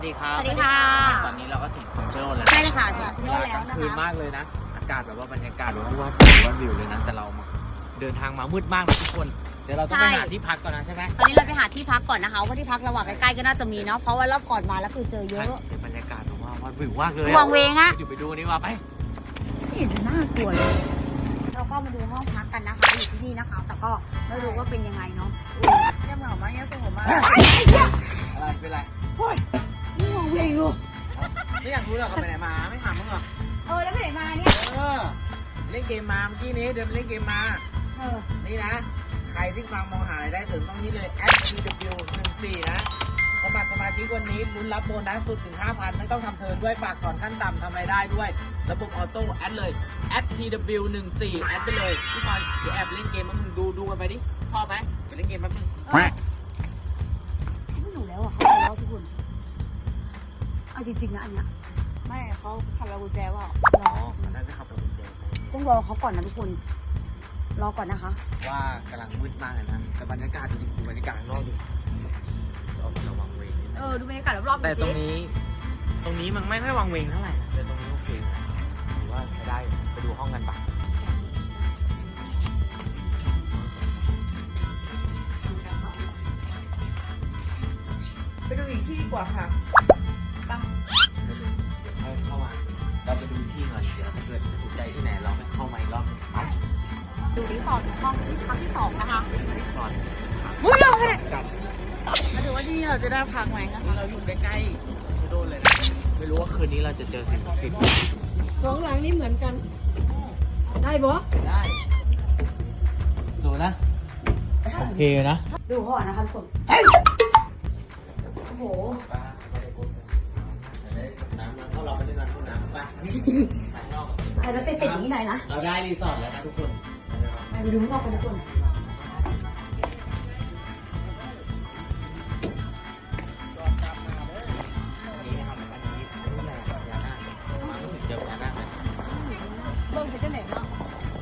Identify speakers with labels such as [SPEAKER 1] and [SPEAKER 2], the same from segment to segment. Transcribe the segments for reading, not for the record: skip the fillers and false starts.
[SPEAKER 1] สวัสดีครับ
[SPEAKER 2] สวัสดีค่ะ
[SPEAKER 1] ตอนนี้เราก็ถึงคำชะโนดแล้ว
[SPEAKER 2] ใช่เลยค่ะถึงคำชะโนดแล้วนะคะ
[SPEAKER 1] คืนมากเลยนะ อากาศแบบว่าบรรยากาศแบบว่าวิวเลยนะ แต่เราเดินทางมามืดมากเลยทุกคน เดี๋ยวเราต้องไปหาที่พักก่อนนะใช่ไหม
[SPEAKER 2] ตอนนี้เราไปหาที่พักก่อนนะคะว่าที่พักระหว่างใกล้ๆก็น่าจะมีเนาะเพราะว่ารอบก่อนมาแล้วคือเจอเยอะ
[SPEAKER 1] เป็นบรรยากาศแบบว่าวิวมากเลย
[SPEAKER 2] วังเวงอะ
[SPEAKER 1] อยู่ไปดูนี่ว่าไป
[SPEAKER 2] ไม่เห็นน่ากลัวเลยเราก็มาดูห้องพักกันนะคะอยู่ที่นี่นะคะ แต่ก็ไม่รู้ว่าเป็นยังไงเนาะ
[SPEAKER 3] แก้มเหงามากแก้มสงบมาก
[SPEAKER 1] อะไรเป็นไร
[SPEAKER 2] นี่วังเวงอยู่
[SPEAKER 1] ไม่อยากรู้หรอกเขาไปไหนมาไม่ถามมึงหรอ
[SPEAKER 2] แล้วไปไหนมาเนี่ย
[SPEAKER 1] เล่นเกมมาเมื่อกี้นี้เดินไปเล่นเกมมา นี่นะ ใครที่ฟังมองหารายได้เสริมต้องนี้เลย @tw14 นะสมัครสมาชิกวันนี้ลุ้นรับโบนัสสุดถึง 5,000 ไม่ต้องทำเทิร์นด้วยฝากถอนขั้นต่ำทำรายได้ด้วย ระบบออโต้แอดเลย @tw14 แอดไปเลยพี่บอลเดี๋ยวแอบเล่นเกมมามึงดูกันไปดิ ชอบไหมไปเล่นเกมแป๊บนึง
[SPEAKER 2] ไม่อยู่แล้วอะเขาไปแล้วทุกคนเอาจริงๆนะอันเนี้ย
[SPEAKER 3] ไม่เขาขับเรากุญแจว่า
[SPEAKER 1] อ๋อมันน่าจะขับไปกุญแจ
[SPEAKER 2] ต้องรอเขาก่อนนะทุกคนรอก่อนนะคะ
[SPEAKER 1] ว่ากำลังมืดมากเลยนะแต่บรรยากาศดูบรรยากาศข้างนอกดิระวังเวงนิดนึง
[SPEAKER 2] ดูบรรยากาศรอบๆ
[SPEAKER 1] แต่ตรงนี้มันไม่ค่อยวังเวงเท่าไหร่นะแต่ตรงนี้โอเคนะถือว่าใช้ได้ไปดูห้องกันปะ
[SPEAKER 3] ไปดูอีกที่ดีกว่าค่ะปัง
[SPEAKER 1] เดี๋ยวให้เข้ามาเราไปดูที่หน่อยเดี๋ยวถ้าเกิดถูกใจที่ไหนเราเข้ามาอีกรอบนึงไป
[SPEAKER 2] ดูรีสอร์ทห้องที่พักที่2นะคะ
[SPEAKER 1] เป็นรีสอร์ท
[SPEAKER 2] อุ้ยเอาไป
[SPEAKER 1] กับ
[SPEAKER 3] มาดูว่าที่นี่เราจะได้พักไหมนะคะ
[SPEAKER 1] เราอยู่ใกล้ๆชะโดนเลยนะไม่รู้ว่าคืนนี้เราจะเจอสิ่งศักดิ์สิทธิ์
[SPEAKER 4] สองหลังนี่เหมือนกัน ได้บ่
[SPEAKER 1] ได้ดูนะโอเคนะ
[SPEAKER 2] ดูห้องนะคะทุกคนโอ้โห
[SPEAKER 1] น้ำเข้าเราไปด้วยกันห้องน้ำไปถ่ายนอก
[SPEAKER 2] ไอ้แล้วติดอย่างนี้หน่อยนะ
[SPEAKER 1] เราได้รีสอร์ทแล้วนะทุกคน
[SPEAKER 2] ไปดูข้างนอกกันทุกคน
[SPEAKER 1] อันนี้นะครับอันนี้นี่แหละพญานาคมาถึงเจอพญานาคเลย
[SPEAKER 2] เบิ่งไปเจ้าไหนบ้าง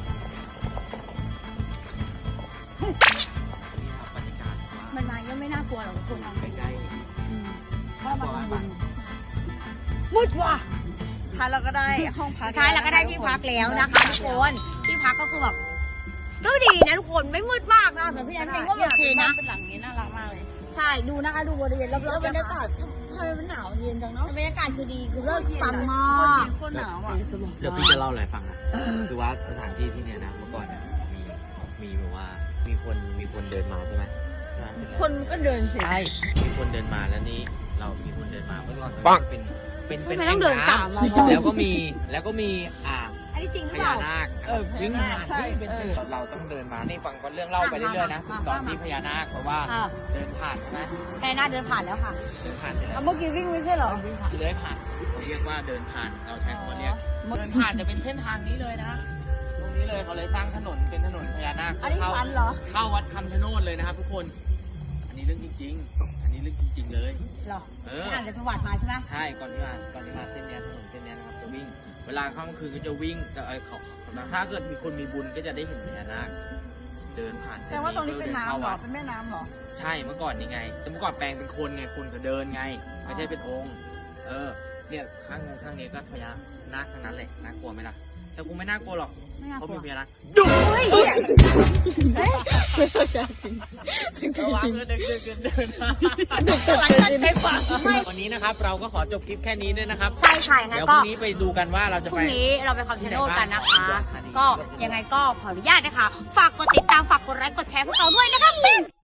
[SPEAKER 1] นี่ครับบรรยากาศว่า
[SPEAKER 2] มันมาก็ไม่น่ากลัวหรอกทุกคน
[SPEAKER 1] ใกล้
[SPEAKER 2] เพราะมันบุญมืดว่ะ
[SPEAKER 3] ท้ายเราก็ได้ห้องพัก
[SPEAKER 2] ท้ายเราก็ได้ที่พักแล้วนะคะทุกคนที่พักก็คือแบบก็ดีนะทุกคนไม่มืดมากนะแต่พี่แอนเองก็โอเคนะ
[SPEAKER 3] เป็นหลังนี้น่ารักมากเลย
[SPEAKER 2] ใช่ดูนะคะดูบริเวณรอบ
[SPEAKER 3] แล้ว
[SPEAKER 2] ๆ
[SPEAKER 3] บรร
[SPEAKER 2] นะ
[SPEAKER 3] ยากา
[SPEAKER 2] คะ
[SPEAKER 3] ศทำไมมันหนาวเย็นจังเนาะ
[SPEAKER 2] แต่บรรยากาศคือดีคือเลิศปังมาก
[SPEAKER 3] โคตรหนาวอ่ะ
[SPEAKER 1] ๆเดี๋ยวพี่จะเล่าอะไรฟังนะคือว่าสถานที่ที่เนี่ยนะเมื่อก่อนเนี่ยมีแบบว่ามีคนเดินมาใช่ไหม
[SPEAKER 3] คนก็เดินสิ
[SPEAKER 1] ใช่มีคนเดินมาแล้วนี้เรามีคนเดินมาเมื่อก่อนเป็น
[SPEAKER 2] ไม่ต้องเดินตามเรา
[SPEAKER 1] แล้วก็มี
[SPEAKER 2] อันนี้จริงห
[SPEAKER 1] พ
[SPEAKER 2] รือเป
[SPEAKER 1] ญา
[SPEAKER 2] ล่า
[SPEAKER 1] นาควิ่งผ่านเป็นเราต้องเดินมานี่ฟังเรื่องเล่าไปเรื่อยๆนะตอนที่พญานาคเพราะว่าเดินผ่านใช่ไหม
[SPEAKER 2] แค่หน้าเดินผ่านแล้วค่ะ
[SPEAKER 1] เดินผ่านใช่ไหม
[SPEAKER 3] เอาเมื่อกี้วิ่งไม่ใช่เหรอ
[SPEAKER 1] เลื้อยผ่านเขาเรียกว่าเดินผ่านเราใช้คำว่าเรียกเดินผ่านจะเป็นเส้นทางนี้เลยนะตรงนี้เลยเขาเลยสร้างถนนเป็นถนนพญานาค
[SPEAKER 3] อันนี้ฟันเหรอ
[SPEAKER 1] เข้าวัดคำชะโนดเลยนะครับทุกคน อันนี้เรื่องจริงๆ อันนี้เรื่องจริงๆเลย
[SPEAKER 2] หรอ
[SPEAKER 1] เออ
[SPEAKER 2] อ่านจากประวัติมาใช่ไหม
[SPEAKER 1] ใช่ก่อนที่มาเส้นเนี้ยถนนเส้นเนี้ยนะครับจะวิ่ง เวลาค่ำคืนก็จะวิ่งแต่ถ้าเกิดมีคนมีบุญก็จะได้เห็นพญานาคเดินผ่าน
[SPEAKER 3] แต่ว่าตรงนี้เป็นน้ำเหรอ เป็นแม่น้ำเหรอ
[SPEAKER 1] ใช่เมื่อก่อนนี่ไงแต่เมื่อก่อนแปลงเป็นคนไงคนก็เดินไง ไม่ใช่เป็นองค์ เนี่ยข้างนี้ก็พญานาคทั้งนั้นแหละน่ากลัวไหมล่ะแต่กูไม่น่ากลัวหรอก
[SPEAKER 2] ไม่น่า
[SPEAKER 1] เพราะ
[SPEAKER 2] กลั
[SPEAKER 1] มี
[SPEAKER 2] ว
[SPEAKER 1] พญานาค
[SPEAKER 2] เฮ้ย
[SPEAKER 1] ระวังเดินวันนี้นะครับเราก็ขอจบคลิปแค่นี้ด้วยนะครับ
[SPEAKER 2] ใช่ค่ะงั้
[SPEAKER 1] เดี๋
[SPEAKER 2] น
[SPEAKER 1] ยวพ
[SPEAKER 2] ก็
[SPEAKER 1] รุ่งนี้ไปดูกันว่าเราจะ
[SPEAKER 2] พรุ่
[SPEAKER 1] ไป
[SPEAKER 2] งนี้เราไปคำชะโนดกันนะคะ
[SPEAKER 1] ที่ไหนบ้าง
[SPEAKER 2] ก็ยังไงก็ขออนุญาตนะคะ ฝากกดติดตามฝากกดไลค์กดแชร์พวกเราด้วยนะคะ